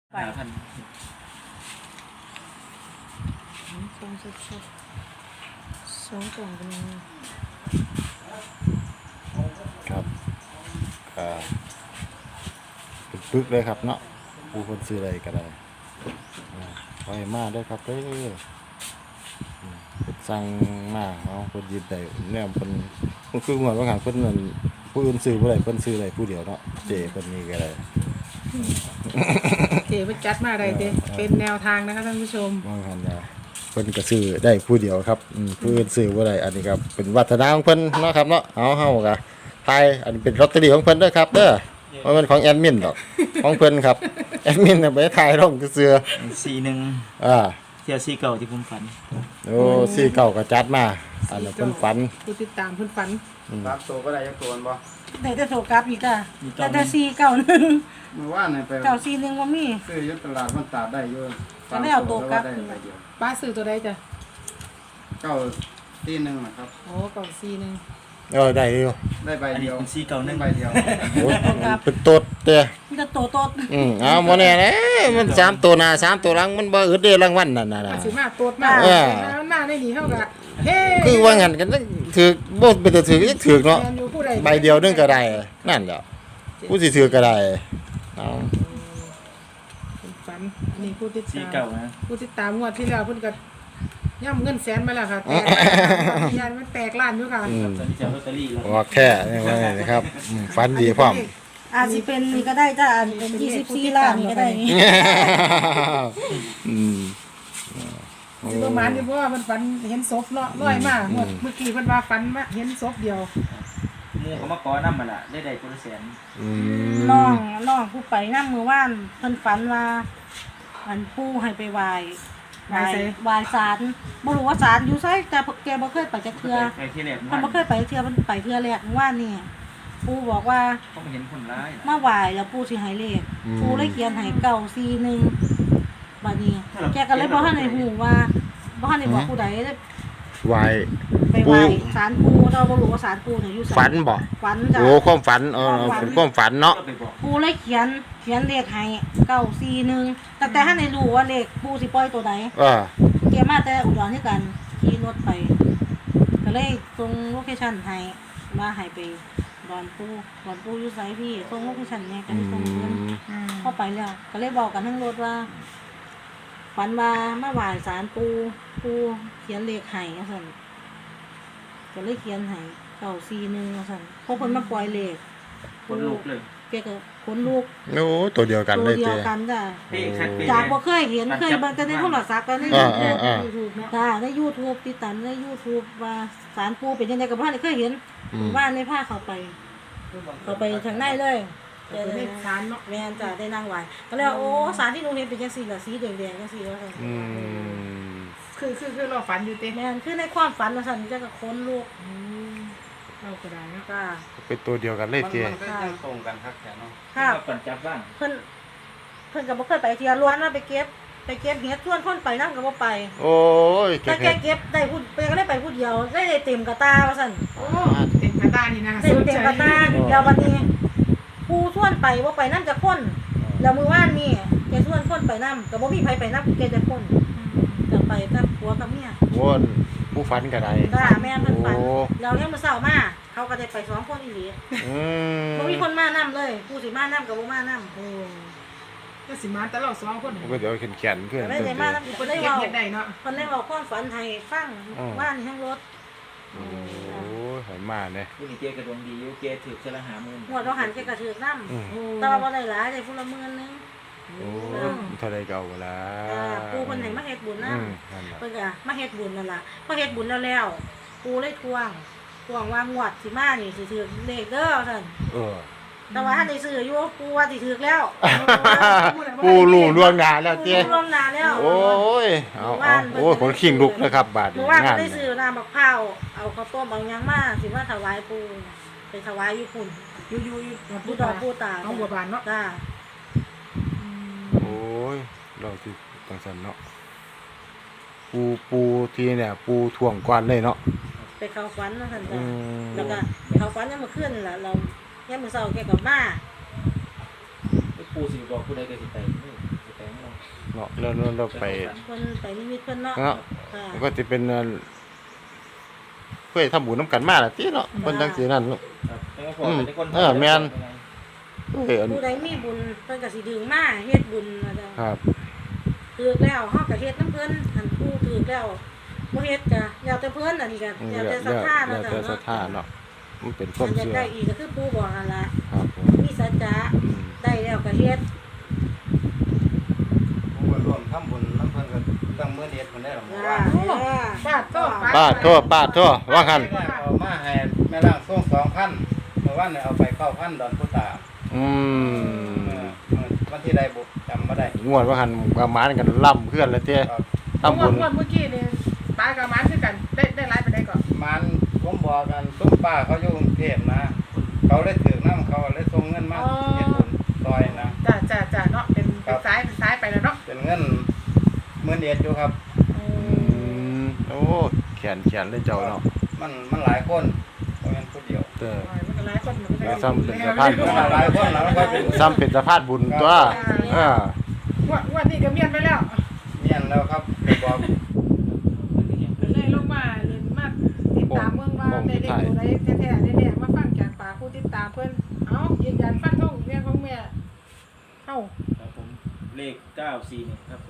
ไป 5,000 ทรงสดๆ2 กล่องเป็นยังไงครับปึกๆเลยครับเนาะผู้คนซื้ออะไรก็ได้ไว้มาได้ครับเด้อสั่งมาเอาคนหยิบได้เนี่ยเพิ่นคือเหมือนว่าหางเพิ่นนั่นผู้อื่นซื้อบ่ได้เพิ่นซื้อได้ผู้เดียวเนาะเจ้เพิ่นนี่ก็ได้เก๋ไปจัดมาอะไรเด้เป็นแนวทางนะคะท่านผู้ชมว่าหั่นน่ะเพิ่นก็ซื้อได้ผู้เดียวครับผู้อื่นซื้อบ่ได้อันนี้ก็เป็นวัฒนธรรมของเพิ่นเนาะครับเนาะเฮาก็ทายอันนี้เป็นลอตเตอรี่ของเพิ่นเด้อครับเด้อบ่แม่นของแอดมินดอกของเพิ่นครับแอดมินน่ะไปทายลงซื่อ 41 อ่าเที่ยว4เก่าที่ผมฝันโอ้สี่เก่าก็จัดมาอันนั้นเพิ่นฝันผู้ติดตามเพิ่นฝันรับตัวก็ได้ยักตัวบ่ได้แต่โสกับอีกอ่ะมีแต่491 เมื่อวานนี่ไป 941บ่มีซื้ออยุตลาดมันตาดได้อยู่ก็ไม่เอาตัวกลับได้ใบเดียวป้าซื้อตัวใดจ้ะ 941นะครับโอ้กล่องซีนึงได้อยู่ได้ใบอันเดีนี้ยวเป็น4เก่าได้ 1 ใบเดียวโอ้เป็นตดเด้อมีแต่โตโตดเอาบ่แน่เด้มัน3ตัวหน้า3ตัวหลังมันบ่อึดเด้รางวัลนั่นน่ะมาสิมาตรวจมาเออหน้าได้หนีเท่ากับเฮ้คือว่างั้นกันถือบ่เป็นแต่ถือยังถือเนาะแมนอยู่ผู้ใดใบเดียวนึงก็ได้นั่นแหละผู้สิถือก็ได้เอาเพิ่นฝันอันนี้ผู้ติด 4 ตาเก่าม นะผู้ติดตามงวดที่แล้วเพิ่นก็ย่ำเงินแสนมาแล้วค่ะแตกยันมันแตกล้านอยู่ค่ะตอนนี้จะเอาลอตเตอรี่แล้วออกแค่นี่ว่าไงนะครับฝันดีพร้อมอาจสิเป็นนี่ก็ได้จ้ะอันเป็น24ล้านนี่ก็ได้นี่อืมสิประมาณนี้เพราะว่ามันฝันเห็นศพเนาะร้อยมากงวดเมื่อกี้เพิ่นว่าฝันมาเห็นศพเดียวหมู่เขามาขอนำมาล่ะได้คนละแสนอืมน้องผู้ไปนำมื้อวานเพิ่นฝันว่าอันปู่ให้ไปไหว้ศาลบ่รู้ว่าศาลอยู่ไสแต่แกบ่เคยไปจักเทื่อไปที่แรกเพิ่นบ่เคยไปเทื่อเพิ่นไปเทื่อแรกเมื่อวานนี่ปู่บอกว่าเขาเห็นคนร้ายมาไหว้แล้วปู่สิให้เลขปู่เลยเขียนให้941บัดนี้แกก็เลยบ่ทันได้ฮู้ว่าบ่ทันได้บอกผู้ใดเลยไว้ไปไหว้ศาลปู่เราบ่รู้ว่าศาลปู่เนี่ยอยู่ไสฝันบ่ฝันจ้ะโอ้ความฝันเป็นความฝันเนาะก็ไปบอกปู่เลยเขียนเลขให้941แต่ท่านได้รู้ว่าเลขปู่สิปล่อยตัวใด เกมาแต่อุดรคือกันขี่รถไปก็เลยส่งโลเคชั่นให้ว่าให้ไปดอนปูอยู่ไสพี่ส่งโลเคชั่นเนี่ยก็เลยส่งเงินเข้าไปแล้วก็เลยบอกกันทั้งรถว่าฝันว่ามาไหว้ศาลปูเขียนเลขให้ว่าซั่นก็เลยเขียนให้941ว่าซั่นพอเพิ่นมาปล่อยเลขคนลุกเลยแกก็ขนลุกโอ้ตัวเดียวกันตัเลวย เดียเจ้วกันจ้ะเป๊ะคักเป๊ะจากบ่เคยเห็นเคยเบิ่งแต่ในโทรศัพท์กันใน YouTube เนาะจ้าใน YouTube ติดตามใน YouTube ว่าศาลปู่เป็นยังไงกับบ้านเคยเห็นบ้านในผ้าเข้าไปทางในเลยเป็นเลขศาลเนาะแม่นจ้าได้นั่งไหว้ก็เลยว่าโอ้ศาลที่หนูเห็นเป็นจังซี่ล่ะสีแดงๆจังซี่ว่าซั่นคือเราฝันอยู่เต้แม่นคือในความฝันว่าซั่นจะก็ขนลุกเราก็ได้เนาะจ้าเป็นตัวเดียวกันเลยมันเจ้ก็ยังตรงกันครับแค่เนาะค่ะก่อนจับบ้างเพิ่นก็บ่เคยไปเที่ยวล้วนว่าไปเก็บเห็ดส่วนคนไปนำก็บ่ไปโอ้ยแต่แกเก็บได้ผู้ก็ได้ไปผู้เดียวได้เต็มกระตาว่าซั่นโอ้เต็มกระตานี่นะเต็มกระตาเดี๋ยววันนี้ผู้ส่วนไปว่าไปนำจะคนแล้วมื้อวานนี่แกส่วนคนไปนำก็บ่มีไผไปนำแกจะคนจะไปกับผัวกับเมียวนผู้ฝันก็ได้จ้าแม่นเพิ่นฝันโอ้แล้วเนี่ยมื้อเช้ามาเขาก็ได้ไป2คนอีหลี บ่มีคนมานำเลยผู้สิมานำก็บ่มานำโอ้ก็สิมาแต่เรา2 คนก็เดี๋ยวแขนขึ้นไม่ได้มานำเพิ่เพิ่นนได้เฮ็ดเว้าเฮ็ดได้เนาะเพิ่นได้เว้าความฝันให้ฟังว่านทั้งรถโอ้ยหายมาเนี่ยผู้นี้เกกระดวงดีอยู่เกถือเสละ50,000 หวดเราหันแกก็ถือนำโอ้แต่ว่าบ่ได้หลายได้ผู้ละหมื่นนึงโอ้เท่าไรเก่าละปู่เพิ่นให้มาเฮ็ดบุญนำนั่นแหละเพิ่นก็มาเฮ็ดบุญนั่นล่ะพอเฮ็ดบุญแล้วปู่เลยทวงว่างวดสิมานี่สิถือเลขเด้อซั่นแต่ว่าท่านได้ซื้ออยู่ปู่ว่าสิถือแล้วปูรู้ล่วงหน้าแล้วปู่เจ้รู้ล่วงหน้าแล้วโอ้ยเอาโอ้ยคนขิงลุกนะครับบาดหมู่ว่านงาก็นได้ซื้อน้ำมะพร้าวเอาข้าวต้มเอาหยังมาสิมาถวายปู่ไปถวายอยู่พุ่นอยู่ปู่ดอกปู่ตาเอาบัวบานเนาะจ้าโอ้ยเราที่ตังสันเนาะปูทีเนี่ยปูถ่วงกวนเลยเนาะไปเข้าฝันว่าซั่นจ้ะแล้วก็ไปเข้าฝันยามมื้อคืนนั่นล่ะเรายามมื้อเช้าแกก็มาผู้สิบอกผู้ใดก็สิไปไปเนาะแล้วไปเพิ่นไปนิมิตเพิ่นเนาะเนาะค่ะมันก็สิเป็นเพื่อทำบุญนํกันมาล่ะติเนาะเพิ่นจังซี่นั่นเนาะครับแล้วก็พอเป็นคนแม่น เอ้ยอันผู้ใดมีบุญเพิ่นก็สิดึงมาเฮ็ดบุญว่าจ้ะครับถูกแล้วเฮาก็เฮ็ดนำเพิ่นหันผู้ถูกแล้วบ่เฮ็ดก็แล้วแต่เพิ่นอันนี้ก็แล้วแต่ศรัทธาแล้เนาะวจ้ะแต่ศรัทธาเนาะเนาะมันเป็นความอันอยากเชื่อได้อีกก็คือปู่บอกนั่นล่ะครับผมมีสัจจะอืมได้แล้วก็เฮ็ดผมก็ร่วมทำบุญน้ำเพิ่นก็ตั้งมื้อเด็ดเพิ่นได้หรอกจ้าว่าปาดโตปาดโทษว่าคั่นเอามาให้แม่ล่างส่ง2,000เมื่อวานเนี่ยเอาไป9,000ดอนพุตาอืมวันที่ใดบุจำบ่ได้งวดว่าหั่นประมาณกันล่ำเพื่อนแล้วเต้ครับทำบุญงวดเมื่อกี้นี่ปลากับหมันคือกันได้หลายไปได้ก่อนมันผมบอกกันตุ้มป้าเขาอยู่กรุงเทพนะ เขาเลยถือน้ำเขาเลยส่งเงินมาเฮ็ดบุญซอยนะจ้าเนาะเป็นซ้ายไปแล้วเนาะเป็นเงินมื้อเด็ดอยู่ครับอืมโอ้แขนเลยเจ้าเนาะมันหลายคนบ่แม่นผู้เดียวเด้อมันก็หลายคนมันก็ได้ซ้ำเป็นสะพานมันหลายคนแล้วมันก็เป็นซ้ำเป็นสะพานบุญตัวอ่าวันนี้ก็เมียนไปแล้วเมียนแล้วครับไปบอกเลยลงมาเรียนมาติดตามเมืองว่าได้ตัวใดแท้ๆได้มาฟังจากปากผู้ติดตามเพิ่นเอ้ายืนยันฟันธงเมียของแม่เอ้าครับผมเลข941ครับผม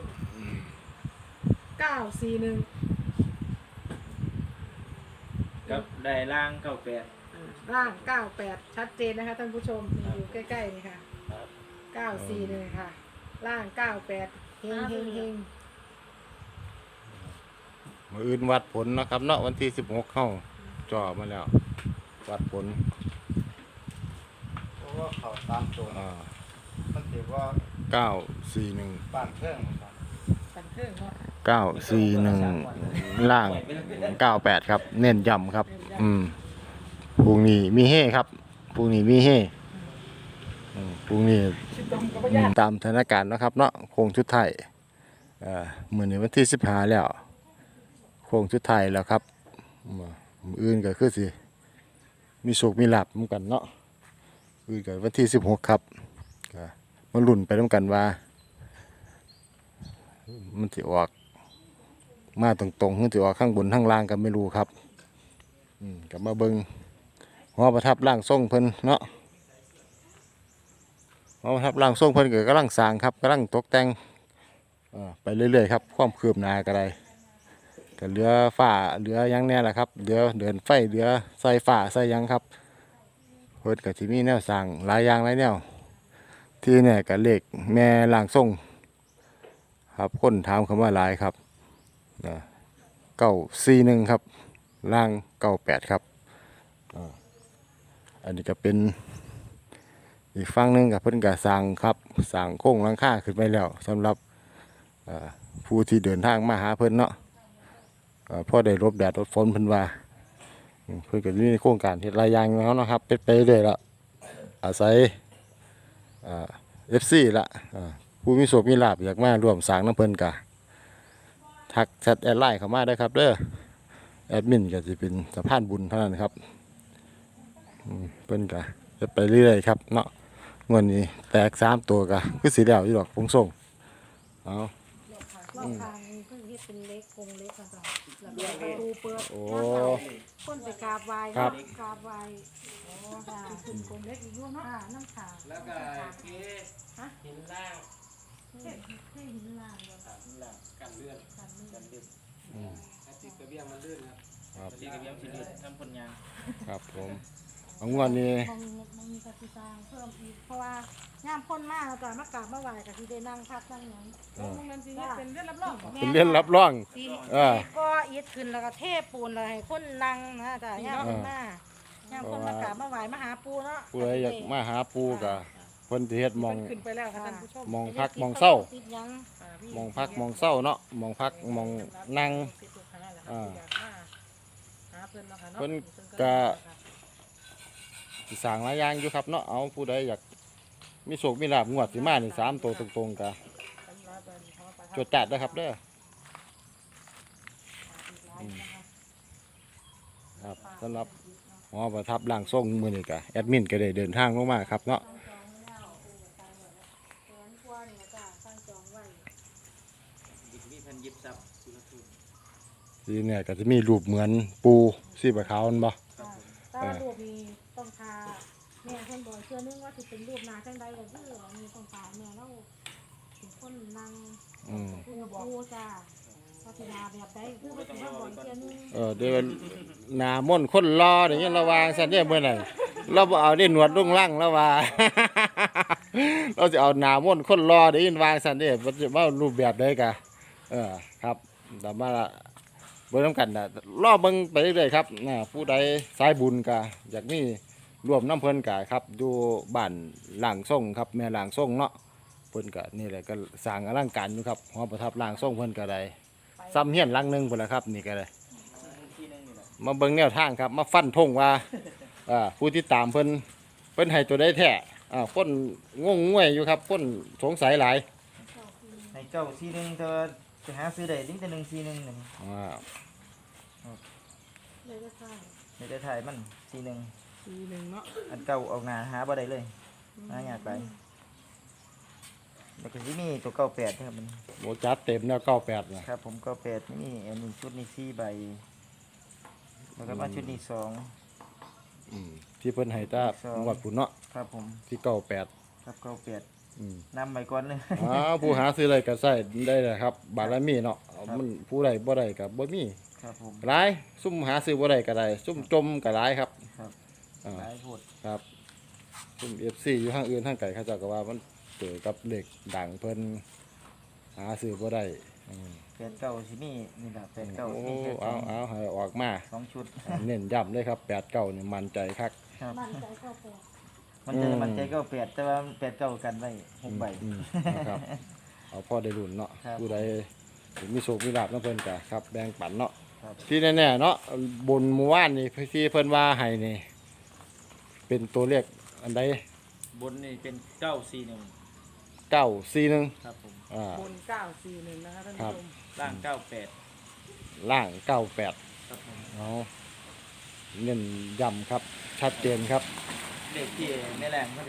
941 ครับได้ล่าง98 ร่าง98ชัดเจนนะคะท่านผู้ชมอยู่ใกล้ๆนี่ค่ะครับ 941ค่ะร่าง98เฮงมื้ออื่นวัดผลเนาะครับเนาะวันที่16เข้าจ่อมาแล้ว วัดผลเพราะว่าเขาตามตัวอ่ามันถือว่า 941 บ้านเครื่องครับปันเครื่องเนาะ 941ล่าง 98 ครับ เน้นย้ำครับ พรุ่งนี้มีเฮครับพรุ่งนี้มีเฮพรุ่งนี้สิตรงกับบ่ยากตามสถานการณ์เนาะครับเนาะโค้งชุดไทายมื้อนี้วันที่15แล้วโค้งชุดไทายแล้วครับมื้ออื่นก็คือสิมีโชคมีลาภเหมือนกันเนาะอื่นก็วันที่16ครับก็มาลุ้นไปนํกันว่า มันสิออกมาตรงๆหรือสิออกข้างบนข้างล่างก็ไม่รู้ครับก็มาเบิ่งหอประทับร่างทรงเพิ่นเนาะหอประทับร่างทรงเพิ่นก็กำลังสร้างครับกำลังตกแต่งไปเรื่อยๆครับความคืบหน้าก็ได้ก็เหลือฝ้าเหลือหยังแน่ล่ะครับเหลือเดินไฟเหลือใส่ฝ้าใส่หยังครับเพิ่นก็สิมีแนวสร้างหลายอย่างหลายแนวที่เนี่ยก็เลขแม่ร่างทรงครับคนถามคำว่าหลายครับ941ครับล่าง98ครับอันนี้ก็เป็นอีกฝั่งหนึงกับเพิ่นก็สร้างครับสร้างโค้งหลังคาขึ้นไปแล้วสำหรับผู้ที่เดินทางมาหาเพิ่นเนาะพอได้หลบแดดหลบฝนเพิ่นว่าเพิ่นก็มีโครงการเฮ็ดหลายอย่างแล้วเนาะครับเป็นไปเรื่อยๆละอาศัยFC ละผู้มีโชคมีลาภอยากมาร่วมสร้างน้ำเพิ่นก็ทักแชทแอดไลน์เข้ามาได้ครับเด้อแอดมินก็สิเป็นสะพานบุญเท่านั้นครับเพิ่นก็จะไปเรื่อยๆครับเนาะงวดนี้แตก3ตัวก็คือสิแล้วอยู่ดอกคงส่งเอารอบทางนี้เพิ่นเฮ็ดเป็นเล็กกงเล็กค่ะจ้ะแล้วก็ประตูเปิดโอ้คนไปกราบไหว้ครับกราบไหว้จ้ะขึ้นกงเล็กอีกอยู่เนาะน้ำขาวแล้วก็หินล่างเท่หินล่างเนาะหินล่างกันเลื่อนกันนี่กันลื่นติดกระเบียงมันลื่นครับที่กระเบียงสิลื่นทำผลงานครับผมเอางวดนี้มันมีกสิสร้างเพิ่มอีกเพราะว่าย่ามพ่นมากแล้วก็มากราบมาไหว้ก็สิได้นั่งพักนั่งหยังโรงเรียนสิเฮ็ดเป็นเรื่องรับรองเป็นเรื่องรับรองสิอ่าก็อิฐขึ้นแล้วก็เทปูนแล้วให้คนนั่งนะจ้ะย่ามพ่นมาย่ามพ่นมากราบมาไหว้มาหาปูเนาะผู้ใดอยากมาหาปูก็เพิ่นสิเฮ็ดหมองขึ้นไปแล้วค่ะท่านผู้ชมหมองพักหมองเศร้าติดหยังหมองพักหมองเศร้าเนาะหมองพักหมองนั่ง เพิ่นก็ สิสร้างหลายอย่างอยู่ครับเนาะเอาผู้ใดอยากมีโชคมีลาภงวดสิมานี่3ตัวตรงๆก็จดจัดเด้อครับเด้อครับสำหรับหอประทับร่างทรงมื้อนี้ก็แอดมินก็ได้เดินทางลงมาครับเนาะแสนกว่านี่จ้ะตั้งจองไว้ทีเนี่ยก็จะมีรูปเหมือนปูสีบะขาวนั่นบ่ถ้ารูปนี้ต้องทาแม่เพิ่นบอกเชื่อนึงว่าสิเป็นรูปหน้าจังใดก็คือมีต้องทาแม่เราเป็นคนนั่งผู้บอกจ้าพัฒนาแบบใดคือว่าสิมาบอกเชื่อนึงเดี๋ยวหน้ามนต์คนรออย่างเงี้ยระวางซั่นเด้เมื่อนั้นเราบ่เอาได้หนวดลุงลั่งแล้วว่า เราจะเอาหน้ามนต์คนรอได้ยินวางซั่นเด้มันจะว่ารูปแบบใดกะครับแต่มาเบิ่งนำกันน่ะรอเบิ่งไปเรื่อยๆครับผู้ใดสายบุญก็อยากมีร่วมน้ำเพิ่นก็ครับอยู่บ้านล่างส่งครับแม่ล่างส่งเนาะเพิ่นก็นี่แหละก็สร้างอลังการอยู่ครับหอประทับล่างส่งเพิ่นก็ได้ซ้ำเฮียนหลังหนึงพุ่นล่ะครับนี่ก็ได้มาเบิ่งแนวทางครับมาฟันธงว่าผู้ที่ตามเพิ่นให้ตัวได้แท้คนงงงวยอยู่ครับคนสงสัยหลายให้เก้าซีหนึ่งเธอจะหาซื้อได้ดิ้งแต่141นี่เลยก็ใช่ไม่ได้ถ่ายมันซีหนึ่ง 41เนาะอันเก่าออกหน้าหาบ่ได้เลยหายากไปแล้วก็สิมีตัว98ครับมันโบจัดเต็มแล้ว98นะครับผม98นี่อันนี้ชุดนี้4ใบแล้วก็มาชุดนี้2 ที่เพิ่นให้ตาหวดพุ่นเนาะครับผมที่98 ครับ98นำไปก่อนเลยผู้หาซื้ออะไรก็ใส่ได้เลยครับบารมีเนาะมันผู้ใดบ่ได้ก็บ่มีครับผมหลายซุ่มหาซื้อบ่ได้ก็ได้ซุ่มจมก็หลายครับครับอ่าหลายพูดครับซุ่ม FC อยู่ทางอื่นทางไกลเขาเจ้าก็ว่ามันเจอกับเลขดังเพิ่นหาซื้อบ่ได้ 89สิมีนี่ล่ะโอ้ 89มีแค่เอาให้ออกมาสองชุดเน้นย้ำเลยครับ89นี่มั่นใจคักครับมั่นใจเข้าไปมันใจ98แต่ว่า89กันไว้6ใบนะครับเอาพ่อได้รุ่นเนาะครับผู้ใดมีโชคมีลาภนำเพิ่นก็ครับแบ่งปันเนาะครับที่แน่ๆเนาะบนหมู่บ้านนี่ที่เพิ่นว่าให้นี่เป็นตัวเลขอันใดบนนี่เป็น941 941 ครับผมบน941นะคะท่านครัผู้บชมล่าง98 ล่าง98 ครับผมเอาเน้นย้ำครับชัดเจนครับเด็กที่ในแรง